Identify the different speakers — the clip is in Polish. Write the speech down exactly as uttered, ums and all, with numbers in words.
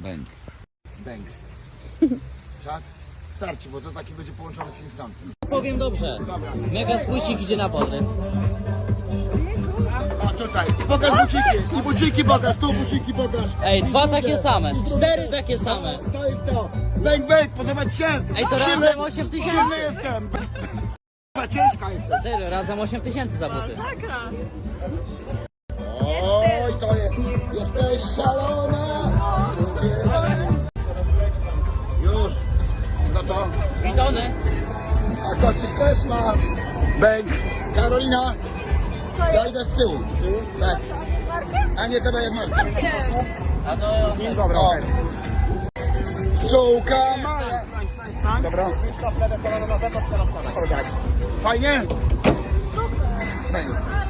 Speaker 1: Bęk.
Speaker 2: Bęk. Czad? Starczy, bo to taki będzie połączony z instantem.
Speaker 3: Powiem dobrze. Mega spuścik idzie na podryw.
Speaker 2: A tutaj, pokaż buciki, i buciki pokaż, tu buciki pokaż.
Speaker 3: Ej,
Speaker 2: I
Speaker 3: dwa
Speaker 2: drugie,
Speaker 3: takie same,
Speaker 2: i drugie.
Speaker 3: cztery takie same.
Speaker 2: To jest to. Bęk, bęk, podoba ci się?
Speaker 3: Ej, to
Speaker 2: Silny-
Speaker 3: razem osiem tysięcy.
Speaker 2: Silny jestem. Ciężka jestem.
Speaker 3: Serio, razem osiem tysięcy za buty.
Speaker 2: Oj, to jest, jesteś szalona. Już. Co to?
Speaker 3: Bidony.
Speaker 2: A kocik też ma. Bęk. Karolina. Ja idę z tyłu. Tak. A nie tebe jak Marta.
Speaker 3: A to...
Speaker 2: Dobra. O. Pszczółka Maja. Dobra. Fajnie? Super.